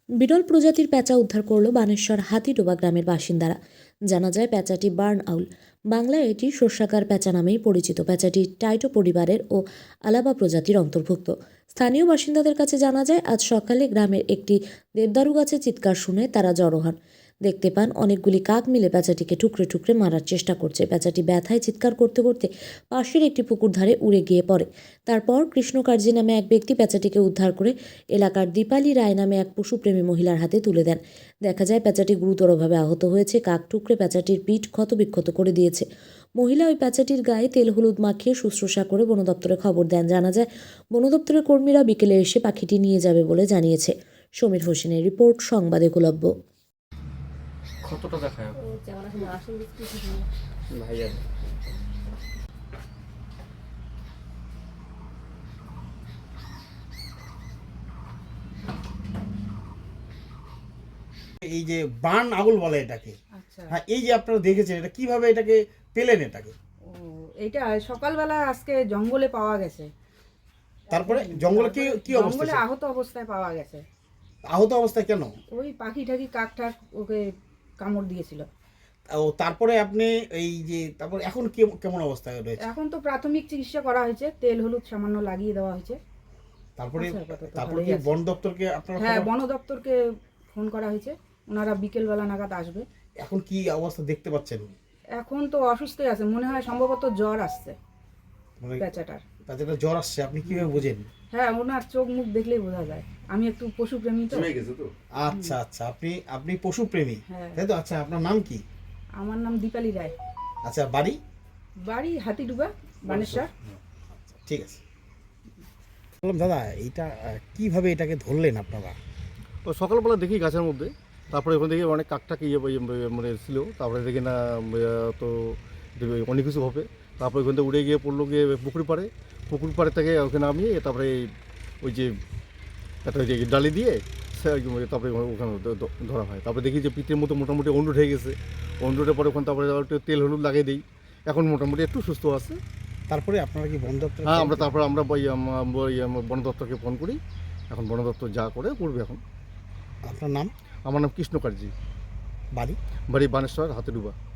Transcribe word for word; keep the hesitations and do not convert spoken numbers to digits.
বিরল প্রজাতির পেঁচা উদ্ধার করল বানেশ্বর হাতিডোবা গ্রামের বাসিন্দারা। জানা যায় পেঁচাটি বার্ন আউল, বাংলায় এটি শস্যাকার পেঁচা নামেই পরিচিত। পেঁচাটি টাইটো পরিবারের ও আলাবা প্রজাতির অন্তর্ভুক্ত। স্থানীয় বাসিন্দাদের কাছে জানা যায়, আজ সকালে গ্রামের একটি দেবদারু গাছে চিৎকার শুনে তারা জড়ো হন। দেখতে পান অনেকগুলি কাক মিলে পেঁচাটিকে টুকরে টুকরে মারার চেষ্টা করছে। পেঁচাটি ব্যথায় চিৎকার করতে করতে পাশের একটি পুকুর ধারে উড়ে গিয়ে পড়ে। তারপর কৃষ্ণকার্জি নামে এক ব্যক্তি পেঁচাটিকে উদ্ধার করে এলাকার দীপালি রায় নামে এক পশুপ্রেমী মহিলার হাতে তুলে দেন। দেখা যায় পেঁচাটি গুরুতরভাবে আহত হয়েছে। কাক টুকরে পেঁচাটির পিঠ ক্ষতবিক্ষত করে দিয়েছে। মহিলা ওই পেঁচাটির গায়ে তেল হলুদ মাখিয়ে শুশ্রূষা করে বন দপ্তরে খবর দেন। জানা যায়, বন দপ্তরের কর্মীরা বিকেলে এসে পাখিটি নিয়ে যাবে বলে জানিয়েছে। সমীর হোসেনের রিপোর্ট, সংবাদ একলব্য। কতটা দেখায় ভাইয়া? এই যে বার্ন আউল বলে এটাকে। আচ্ছা। হ্যাঁ, এই যে আপনারা দেখেছেন, এটা কিভাবে এটাকে পেলেন এটাকে? ও, এটা সকালবেলা আজকে জঙ্গলে পাওয়া গেছে। তারপরে জঙ্গলে কি কি অবস্থা জঙ্গলে ছিল? আহত অবস্থায় পাওয়া গেছে। আহত অবস্থায় কেন? ওই পাখি টাকি কাক টাক ওকে কামড় দিয়েছিল। ও, তারপরে আপনি এই যে তারপর এখন কি কেমন অবস্থায় রয়েছে? এখন তো প্রাথমিক চিকিৎসা করা হয়েছে, তেল হলুদ সামান্য লাগিয়ে দেওয়া হয়েছে। তারপরে আচ্ছা, আপাতত তারপরে ভালোই কি আছে। বন দপ্তরকে আপনারা হ্যাঁ, খবর- বন দপ্তরকে ফোন করা হয়েছে, ওনারা বিকেলবেলা নাগাদ আসবে। এখন কি অবস্থা দেখতে পাচ্ছেন? এখন তো অসুস্থই আছে, মনে হয় সম্ভবত জ্বর আসছে মানে পেঁচাটার। তাদের জ্বর আসছে, আপনি কিভাবে বুঝেন? হ্যাঁ, ওনার চোখ মুখ দেখলেই বোঝা যায়। আমি একটু পশুপ্রেমী তো। আচ্ছা আচ্ছা, আপনি আপনি পশুপ্রেমী, হ্যাঁ। তাই তো? আচ্ছা, আপনার নাম কি? আমার নাম দীপালি রায়। আচ্ছা, বাড়ি? বাড়ি হাতিডুবা, বানেশ্বর। ঠিক আছে। বললাম দাদা, এইটা আহ, কিভাবে এটাকে ধরলেন আপনারা? তো সকালবেলা দেখি গাছের মধ্যে, তারপরে ওখান থেকে অনেক কাকটাক ইয়ে ইয়ে মানে ছিল, তারপরে দেখি না আহ, তো অনেক কিছু হবে। তারপরে ওখান থেকে উড়ে গিয়ে পড়লো গিয়ে পুকুর পাড়ে, পুকুর পাড়ে থেকে ওখানে নামিয়ে তারপরে ওই যে একটা ওই যে ডালি দিয়ে সে তারপরে ওখানে দ- ধরা হয়। তারপরে দেখি যে পিঠের মতো মোটামুটি অন্ডুট হয়ে গেছে। অন্ডুটের পরে ওখানে তারপরে একটু তেল হলুদ লাগিয়ে দিই, এখন মোটামুটি একটু সুস্থ আছে। তারপরে আপনারা কি বন দপ্তর? হ্যাঁ, আমরা তারপরে আমরা ওই আম- ওই আম- বন দপ্তরকে ফোন করি। এখন বন দপ্তর যা করে করবে। এখন আপনার নাম? আমার নাম কৃষ্ণকার্জি, বাড়ি? বাড়ি বানেশ্বর হাতিডুবা।